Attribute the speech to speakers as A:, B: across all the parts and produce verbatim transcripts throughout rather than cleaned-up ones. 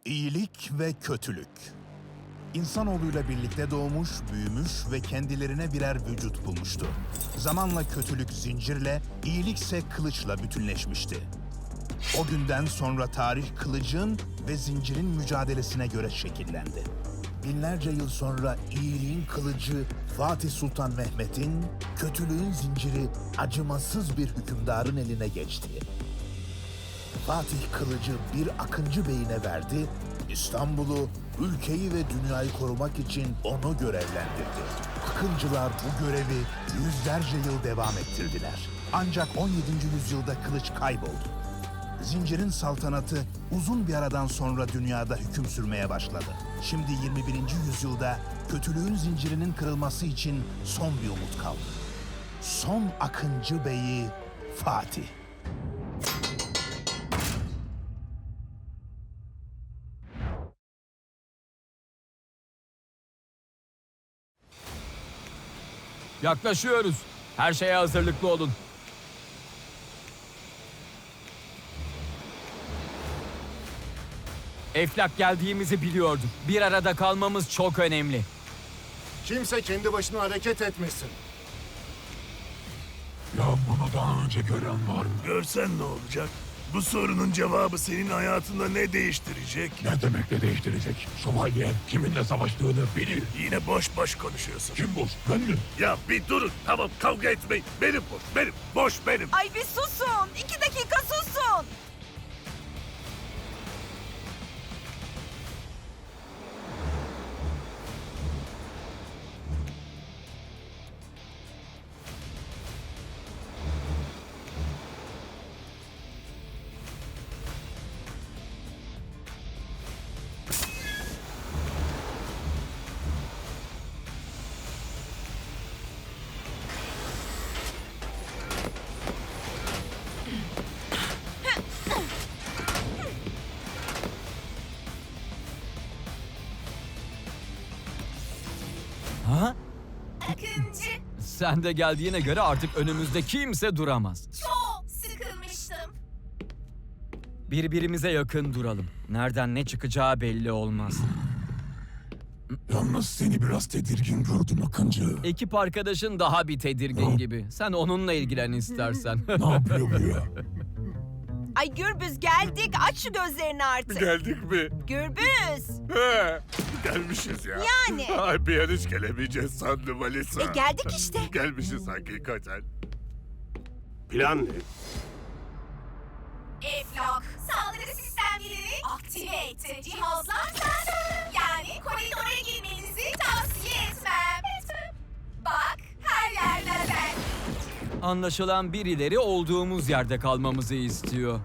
A: İyilik ve kötülük. İnsanoğluyla birlikte doğmuş, büyümüş ve kendilerine birer vücut bulmuştu. Zamanla kötülük zincirle, iyilikse kılıçla bütünleşmişti. O günden sonra tarih kılıcın ve zincirin mücadelesine göre şekillendi. Binlerce yıl sonra iyiliğin kılıcı Fatih Sultan Mehmet'in, kötülüğün zinciri acımasız bir hükümdarın eline geçti. Fatih kılıcı bir Akıncı Bey'ine verdi, İstanbul'u, ülkeyi ve dünyayı korumak için onu görevlendirdi. Akıncılar bu görevi yüzlerce yıl devam ettirdiler. Ancak on yedinci yüzyılda kılıç kayboldu. Zincirin saltanatı uzun bir aradan sonra dünyada hüküm sürmeye başladı. Şimdi yirmi birinci yüzyılda kötülüğün zincirinin kırılması için son bir umut kaldı. Son Akıncı Bey'i Fatih.
B: Yaklaşıyoruz. Her şeye hazırlıklı olun. Eflak geldiğimizi biliyordum. Bir arada kalmamız çok önemli.
C: Kimse kendi başına hareket etmesin.
D: Ya bunu daha önce gören var mı?
E: Görsen ne olacak? Bu sorunun cevabı senin hayatında ne değiştirecek?
D: Ne demek ne değiştirecek? Şövalye kiminle savaştığını bilir.
E: Yine boş boş konuşuyorsun.
D: Kim bu? Ben mi?
E: Ya bir durun. Tamam, kavga etmeyin. Benim bu. Benim. Boş benim.
F: Ay bir susun. İki dakika susun.
B: Ha?
F: Akıncı,
B: Sen de geldiğine göre artık önümüzde kimse duramaz.
F: çok sıkılmıştım.
B: Birbirimize yakın duralım. Nereden ne çıkacağı belli olmaz.
D: Yalnız seni biraz tedirgin gördüm Akıncı.
B: Ekip arkadaşın daha bir tedirgin gibi. Sen onunla ilgilen istersen.
D: Ne yapıyor bu ya?
F: Ay Gürbüz geldik. Aç şu gözlerini artık.
E: Geldik mi?
F: Gürbüz.
E: He, gelmişiz ya.
F: Yani.
E: Ay bir an hiç gelemeyeceğiz sandım Alisa.
F: E geldik işte.
E: Gelmişiz hakikaten. Plan ne?
G: Eflak, saldırı sistemlerini aktive etti. Cihazlar sensör. Yani koridora girmenizi tavsiye etmem. Bak, her yer lazer.
B: Anlaşılan birileri olduğumuz yerde kalmamızı istiyor.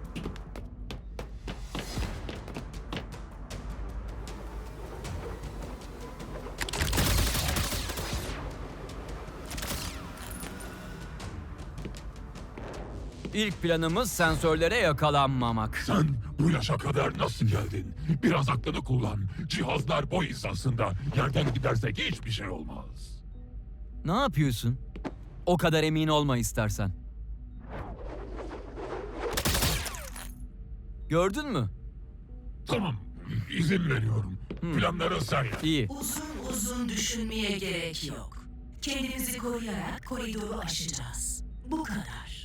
B: İlk planımız sensörlere yakalanmamak.
D: Sen bu yaşa kadar nasıl geldin? Biraz aklını kullan. Cihazlar boy hizasında. Yerden gidersek hiçbir şey olmaz.
B: Ne yapıyorsun? O kadar emin olma istersen. Gördün mü?
D: Tamam, izin veriyorum. Planları sen yap.
B: İyi.
H: Uzun uzun düşünmeye gerek yok. Kendimizi koruyarak koridoru aşacağız. Bu kadar.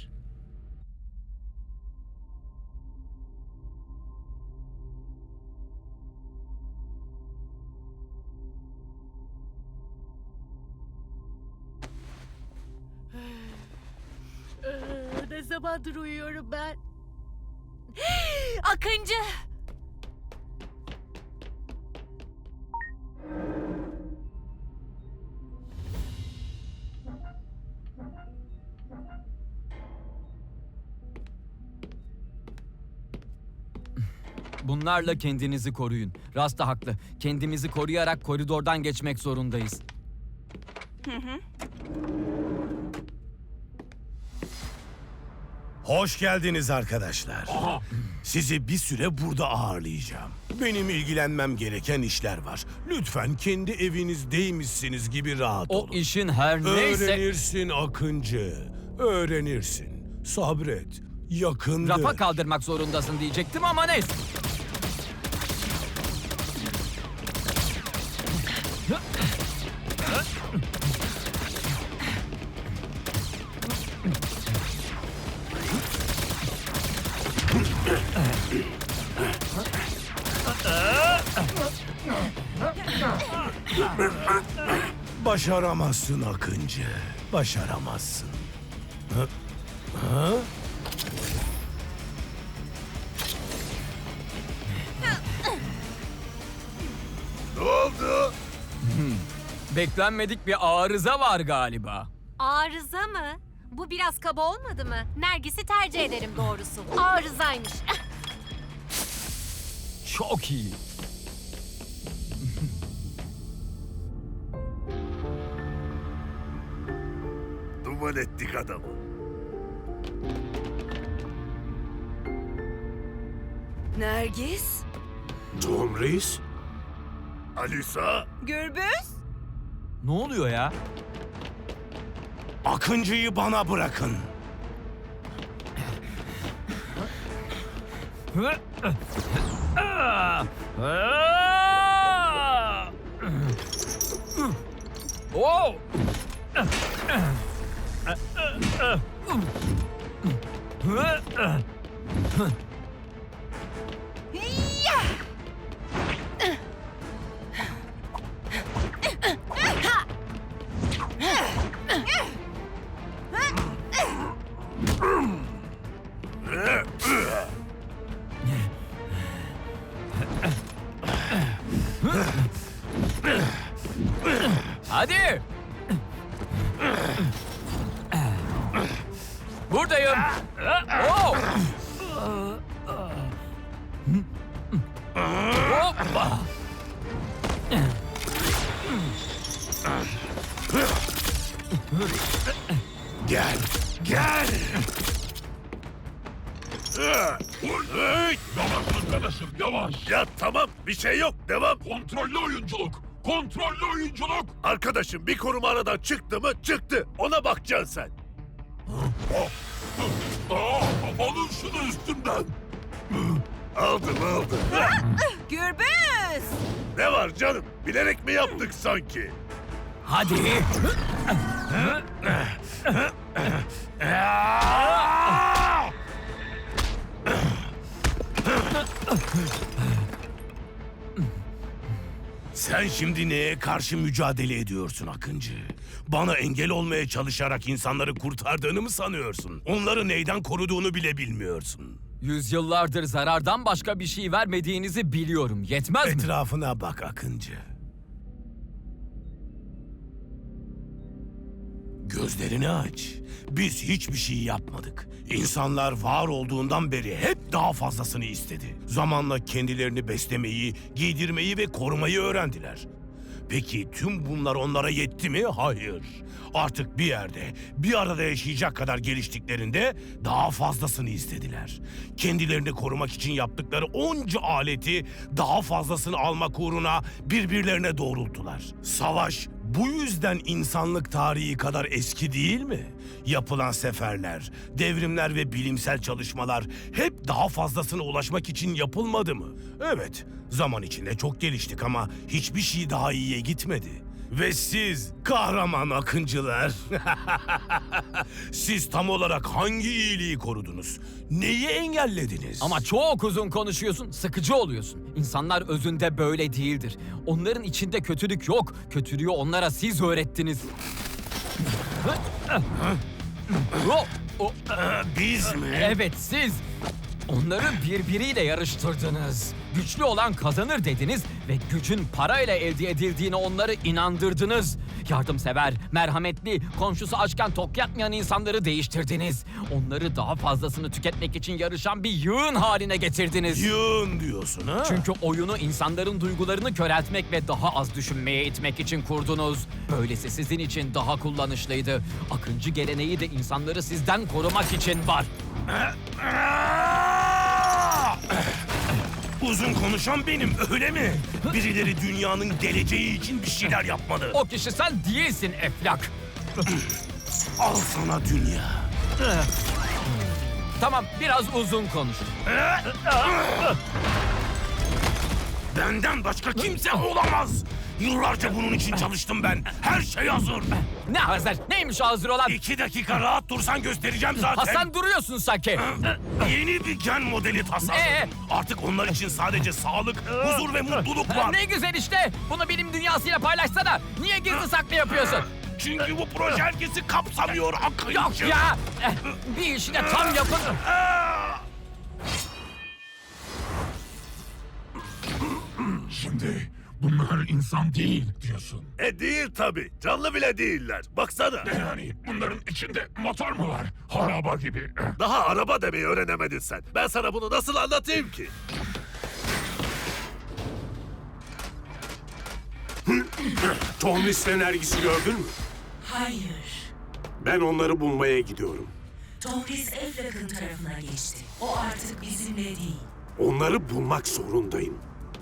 F: Ne zamandır uyuyorum ben? Akıncı.
B: Bunlarla kendinizi koruyun. Rasta haklı. Kendimizi koruyarak koridordan geçmek zorundayız.
I: Hoş geldiniz arkadaşlar.
D: Aha,
I: Sizi bir süre burada ağırlayacağım. Benim ilgilenmem gereken işler var. Lütfen kendi evinizdeymişsiniz gibi rahat
B: O
I: olun.
B: işin her neyse...
I: Öğrenirsin Akıncı. Öğrenirsin. Sabret. Yakındır.
B: Rafa kaldırmak zorundasın diyecektim ama neyse.
I: Başaramazsın Akıncı. Başaramazsın. Ha? Ha?
E: Ne oldu?
B: Beklenmedik bir arıza var galiba.
J: Arıza mı? Bu biraz kaba olmadı mı? Nergis'i tercih ederim doğrusu. Arızaymış.
B: Çok iyi.
E: Duman ettik adamı.
F: Nergis?
I: Tom Reis?
E: Alisa,
F: Gürbüz?
B: Ne oluyor ya?
I: Akıncı'yı bana bırakın.
B: Oh! Hadi! Buradayım. Oh! Hoppa!
I: Gel, gel.
D: Yavaş arkadaşım yavaş.
E: ya tamam bir şey yok, devam.
D: Kontrollü oyunculuk. Kontrollü oyunculuk.
E: Arkadaşım bir koruma aradan çıktı mı çıktı. Ona bakacaksın sen.
D: Aa, alın şunu üstümden.
E: Aldım aldım.
F: Gürbüz!
E: Ne var canım? Bilerek mi yaptık sanki?
B: Hadi!
I: Sen şimdi neye karşı mücadele ediyorsun Akıncı? Bana engel olmaya çalışarak insanları kurtardığını mı sanıyorsun? Onları neyden koruduğunu bile bilmiyorsun.
B: Yüzyıllardır zarardan başka bir şey vermediğinizi biliyorum. Yetmez mi?
I: Etrafına bak Akıncı. Gözlerini aç. Biz hiçbir şey yapmadık. İnsanlar var olduğundan beri hep daha fazlasını istedi. Zamanla kendilerini beslemeyi, giydirmeyi ve korumayı öğrendiler. Peki tüm bunlar onlara yetti mi? Hayır. Artık bir yerde, bir arada yaşayacak kadar geliştiklerinde daha fazlasını istediler. Kendilerini korumak için yaptıkları onca aleti daha fazlasını almak uğruna birbirlerine doğrulttular. Savaş bu yüzden insanlık tarihi kadar eski değil mi? Yapılan seferler, devrimler ve bilimsel çalışmalar hep daha fazlasına ulaşmak için yapılmadı mı? Evet, zaman içinde çok geliştik ama hiçbir şey daha iyiye gitmedi. Ve siz kahraman akıncılar, siz tam olarak hangi iyiliği korudunuz? Neyi engellediniz?
B: Ama çok uzun konuşuyorsun, sıkıcı oluyorsun. İnsanlar özünde böyle değildir. Onların içinde kötülük yok. Kötülüğü onlara siz öğrettiniz. O- o-
I: Biz mi?
B: Evet siz. Onları birbiriyle yarıştırdınız. Güçlü olan kazanır dediniz ve gücün parayla elde edildiğine onları inandırdınız. Yardımsever, merhametli, komşusu açken tok yatmayan insanları değiştirdiniz. Onları daha fazlasını tüketmek için yarışan bir yığın haline getirdiniz.
I: Yığın diyorsun ha?
B: Çünkü oyunu insanların duygularını köreltmek ve daha az düşünmeye itmek için kurdunuz. Böylesi sizin için daha kullanışlıydı. Akıncı geleneği de insanları sizden korumak için var.
I: Uzun konuşan benim, öyle mi? Birileri dünyanın geleceği için bir şeyler yapmalı.
B: O kişi sen değilsin Eflak.
I: Al sana dünya.
B: Tamam, biraz uzun konuş.
I: Benden başka kimse olamaz. Yıllarca bunun için çalıştım ben. Her şey hazır.
B: Ne hazır? Neymiş o hazır olan?
I: İki dakika rahat dursan göstereceğim zaten.
B: Hasan duruyorsun sanki.
I: Yeni bir gen modeli tasarladım.
B: Ee?
I: Artık onlar için sadece sağlık, huzur ve mutluluk var.
B: Ne güzel işte. Bunu bilim dünyasıyla paylaşsana. Niye gizli saklı yapıyorsun?
I: Çünkü bu proje herkesi kapsamıyor akıncı.
B: Yok ya. Eh, Bir işi de tam yapın.
D: Şimdi bunlar insan değil diyorsun.
E: E değil tabii. Canlı bile değiller. Baksana.
D: Ne yani bunların içinde motor mu var? Araba gibi.
E: Daha araba demeyi öğrenemedin sen. Ben sana bunu nasıl anlatayım ki?
K: Tohmis'le Nergis'i gördün mü?
H: Hayır.
K: Ben onları bulmaya gidiyorum.
H: Tomris Eflak'ın tarafına geçti. O artık bizimle değil.
K: Onları bulmak zorundayım.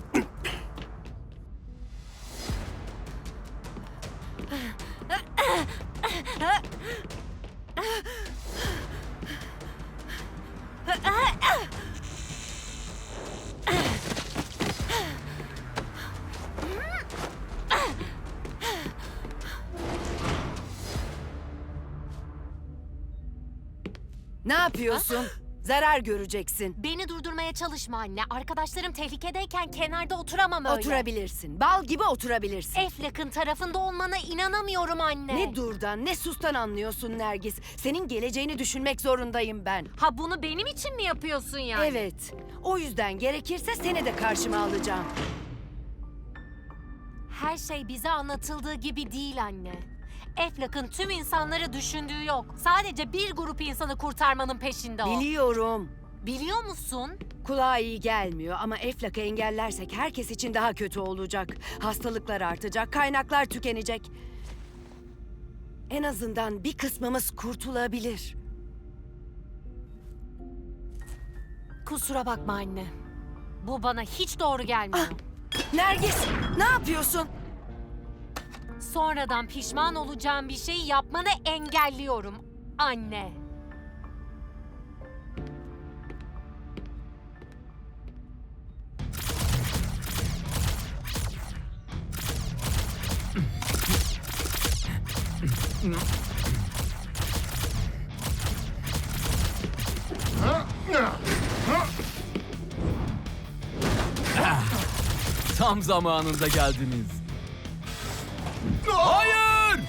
F: Ne yapıyorsun? Zarar göreceksin.
J: Beni durdurmaya çalışma anne. Arkadaşlarım tehlikedeyken kenarda oturamam öyle.
F: Oturabilirsin. Bal gibi oturabilirsin.
J: Eflak'ın tarafında olmana inanamıyorum anne.
F: Ne durdan ne sustan anlıyorsun Nergis. Senin geleceğini düşünmek zorundayım ben.
J: Ha bunu benim için mi yapıyorsun yani?
F: Evet. O yüzden gerekirse seni de karşıma alacağım.
J: Her şey bize anlatıldığı gibi değil anne. Eflak'ın tüm insanları düşündüğü yok. Sadece bir grup insanı kurtarmanın peşinde o.
F: Biliyorum.
J: Biliyor musun?
F: Kulağa iyi gelmiyor ama Eflak'ı engellersek herkes için daha kötü olacak. Hastalıklar artacak, kaynaklar tükenecek. En azından bir kısmımız kurtulabilir.
J: Kusura bakma anne. Bu bana hiç doğru gelmiyor.
F: Nergis, ne yapıyorsun?
J: Sonradan pişman olacağım bir şeyi yapmanı engelliyorum anne.
B: Tam zamanında geldiniz. Hayır!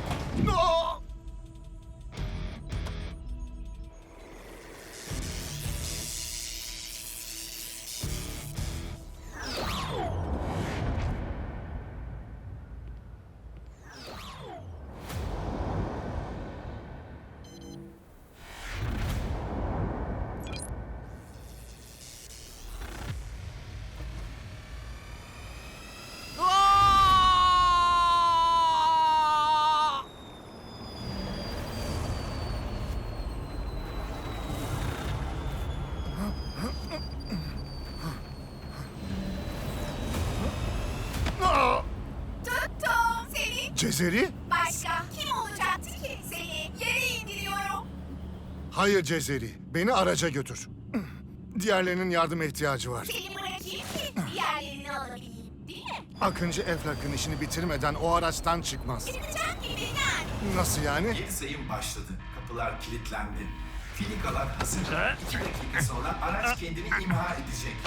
G: Tuttum seni.
C: Cezeri?
G: Başka kim olacaktı ki? Seni yere indiriyorum.
C: Hayır Cezeri. Beni araca götür. Diğerlerinin yardıma ihtiyacı var.
G: Seni bırakayım ki diğerlerini alabileyim. Değil mi?
C: Akıncı Eflak'ın işini bitirmeden o araçtan çıkmaz.
G: Çıkacak gibi yani.
C: Nasıl yani?
L: Yeni sayım başladı. Kapılar kilitlendi. Filikalar hazır. İki dakika sonra araç kendini imha edecek.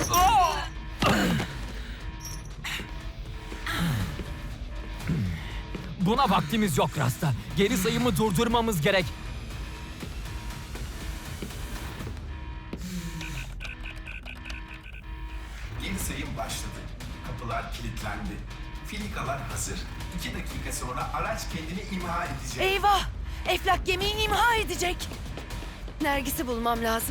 B: Buna vaktimiz yok Rasta. Geri sayımı durdurmamız gerek.
L: Yeni sayım başladı. Kapılar kilitlendi. Filikalar hazır. İki dakika sonra araç kendini imha edecek.
F: Eyvah! Eflak gemiyi imha edecek. Nergis'i bulmam lazım.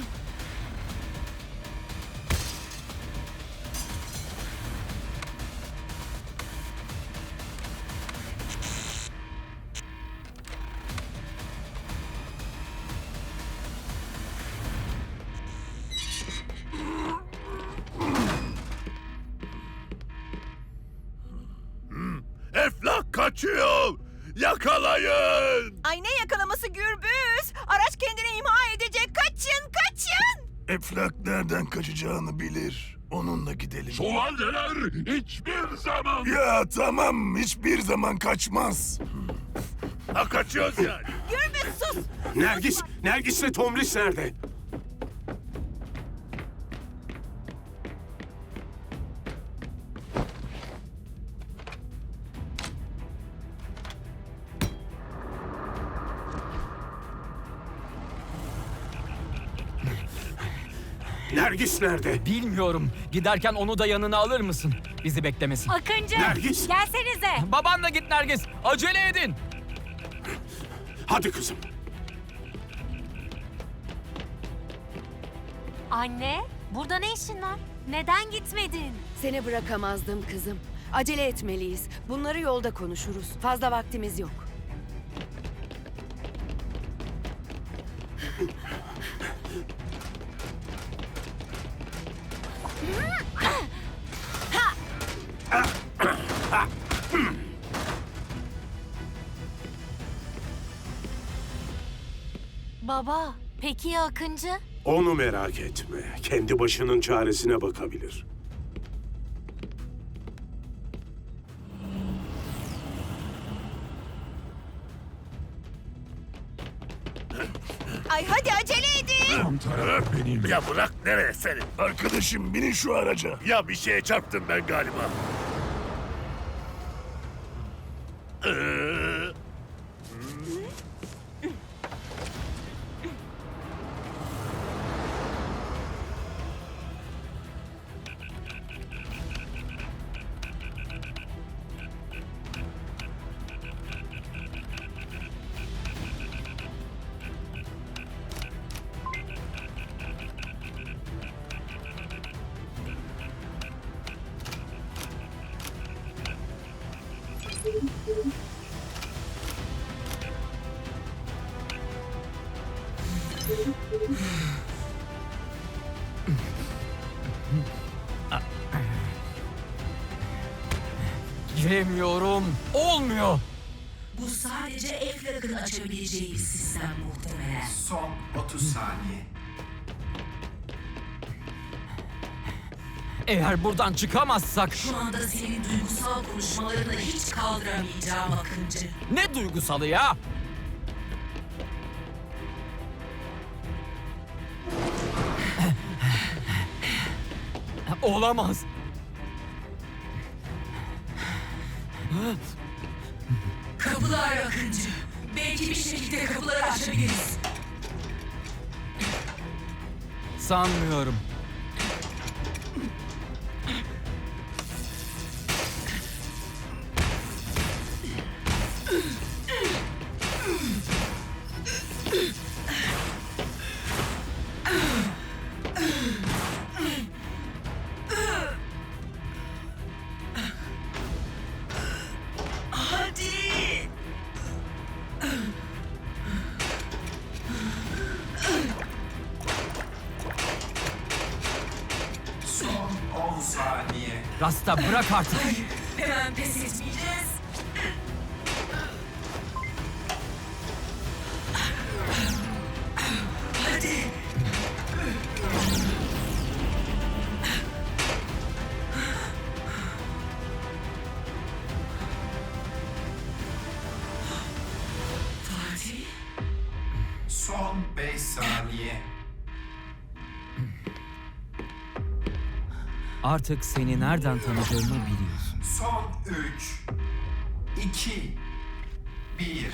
E: Eflak kaçıyor. Yakalayın.
F: Ay ne yakalaması Gürbüz? Araç kendini imha edecek. Kaçın, kaçın!
E: Eflak nereden kaçacağını bilir. Onunla gidelim.
D: Şövalyeler hiçbir zaman...
E: Ya tamam, hiçbir zaman kaçmaz. Ha kaçıyoruz yani.
G: Gürbüz sus.
K: Nergis, Nergis'le Tomris nerede? Nergis nerede?
B: Bilmiyorum. Giderken onu da yanına alır mısın? Bizi beklemesin.
J: Akıncı!
K: Nergis!
J: Gelsenize!
B: Babanla git Nergis. Acele edin.
K: Hadi kızım.
J: Anne, burada ne işin var? Neden gitmedin?
F: Seni bırakamazdım kızım. Acele etmeliyiz. Bunları yolda konuşuruz. Fazla vaktimiz yok.
J: Baba, peki ya Akıncı?
K: Onu merak etme. Kendi başının çaresine bakabilir.
G: Ay hadi acele edin.
D: Tam taraf benim.
E: Ya bırak nereye seni? Arkadaşım binin şu araca. Ya bir şeye çarptım ben galiba. Ee,
B: Giremiyorum. Olmuyor.
H: Bu sadece Eflak'ın açabileceği bir sistem muhtemelen.
L: Son otuz saniye.
B: Eğer buradan çıkamazsak...
H: Şu anda senin duygusal konuşmalarını hiç kaldıramayacağım Akıncı.
B: Ne duygusalı ya? Olamaz.
H: Kapılar Akıncı. Belki bir şekilde kapıları açabiliriz.
B: Sanmıyorum.
H: Hadi!
L: Son on saniye.
B: Rasta bırak artık.
H: Hemen pes etmeyeceğiz. Hadi! Fatih?
L: Son beş saniye.
B: Artık seni nereden tanıdığımı biliyorsun.
L: Son üç, iki, bir.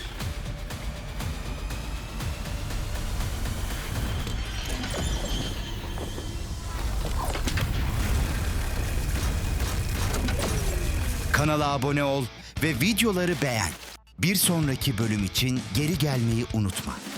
M: Kanala abone ol ve videoları beğen. Bir sonraki bölüm için geri gelmeyi unutma.